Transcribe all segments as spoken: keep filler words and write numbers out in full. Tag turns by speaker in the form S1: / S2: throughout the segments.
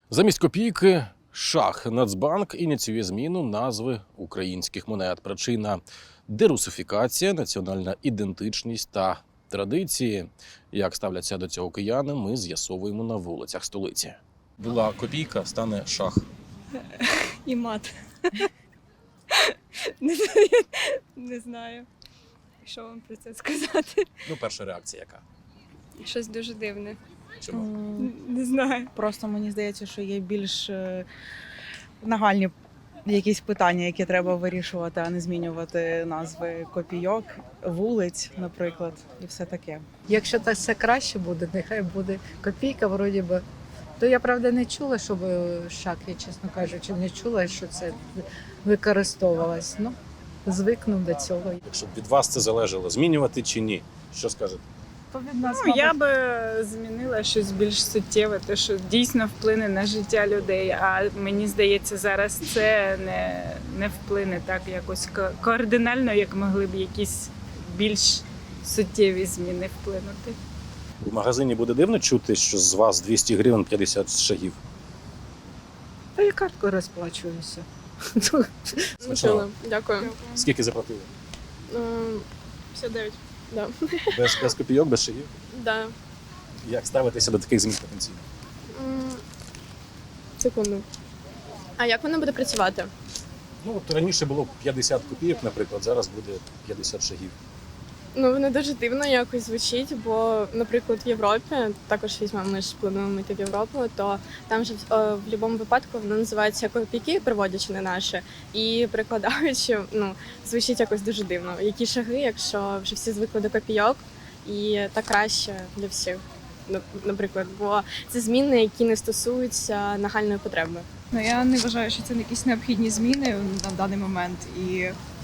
S1: Замість копійки – шах. Нацбанк ініціює зміну назви українських монет. Причина – дерусифікація, національна ідентичність та традиції. Як ставляться до цього кияни, ми з'ясовуємо на вулицях столиці. Була копійка, стане шах.
S2: І мат. Не знаю, що вам про це сказати.
S1: Ну, перша реакція яка?
S2: Щось дуже дивне.
S1: Чому?
S3: М,
S2: Не знаю.
S3: Просто мені здається, що є більш е, нагальні якісь питання, які треба вирішувати, а не змінювати назви копійок, вулиць, наприклад, і все таке.
S4: Якщо так все краще буде, нехай буде копійка, вроді би. То я правда не чула, щоб шак, я чесно кажучи, не чула, що це використовувалось. Ну, звикнув до цього.
S1: Якщо б від вас це залежало, змінювати чи ні? Що скажете?
S3: То від нас,
S5: Ну, я би змінила щось більш суттєве, те, що дійсно вплине на життя людей. А мені здається, зараз це не, не вплине так якось ко- кардинально, як могли б якісь більш суттєві зміни вплинути.
S1: В магазині буде дивно чути, що з вас двісті гривень п'ятдесят шагів.
S4: Та я карткою розплачуюся.
S1: Смачного.
S6: Дякую.
S1: Скільки заплатили?
S6: Ем, п'ятдесят дев'ять. Да.
S1: Без, без копійок, без шагів?
S6: Да.
S1: Як ставитися до таких змін потенційно?
S6: М, Секунду. А як воно буде працювати?
S1: Ну, от раніше було п'ятдесят копійок, наприклад, зараз буде п'ятдесят шагів.
S6: Ну, воно дуже дивно якось звучить, бо, наприклад, в Європі, також візьмемо, ми ж плануємо йти в Європу, то там же е, в будь-якому випадку воно називається копійки, переводячи на наші, і перекладаючи, ну, звучить якось дуже дивно. Які шаги, якщо вже всі звикли до копійок, і так краще для всіх, нап- наприклад, бо це зміни, які не стосуються нагальної потреби.
S2: Ну, я не вважаю, що це якісь необхідні зміни на даний момент. І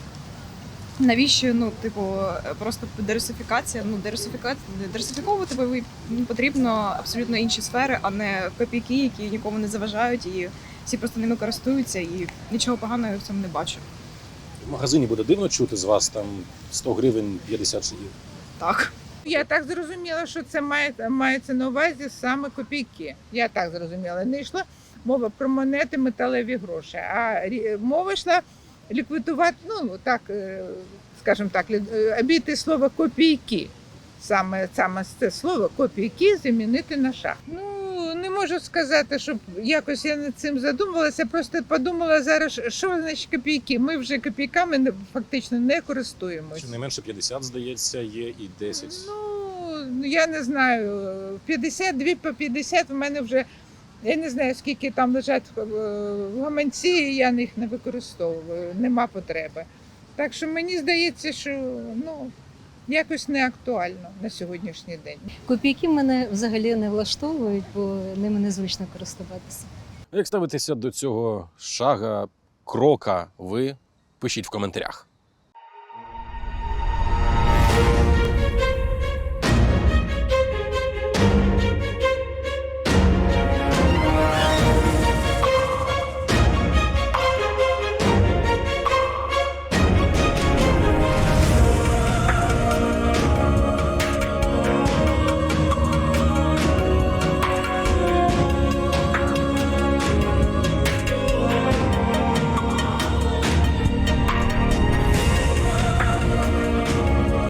S2: навіщо, ну, типу, просто дерусифікація? Ну, дерусифікація, дерусифіковувати ви- ну, потрібно абсолютно інші сфери, а не копійки, які нікому не заважають, і всі просто ними користуються, і нічого поганого я в цьому не бачу.
S1: В магазині буде дивно чути з вас там сто гривень п'ятдесят шагів.
S2: Так.
S7: Я так зрозуміла, що це має, мається на увазі саме копійки. Я так зрозуміла. Не йшла мова про монети, металеві гроші, а рі- мова йшла ліквідувати, ну так, е, скажімо так, лі- е, обійти слово копійки. Саме, саме це слово копійки замінити на шах. Ну, не можу сказати, щоб якось я над цим задумувалася, просто подумала зараз, що значить копійки. Ми вже копійками не- фактично не користуємось.
S1: Чи не менше п'ятдесят, здається, є і десять.
S7: Ну, я не знаю, п'ятдесят дві по п'ятдесят в мене вже, я не знаю, скільки там лежать е, в гаманці, я їх не використовую, нема потреби. Так що мені здається, що ну, якось не актуально на сьогоднішній день.
S8: Копійки мене взагалі не влаштовують, бо ними незвично користуватися.
S1: Як ставитеся до цього шага, крока ви? Пишіть в коментарях.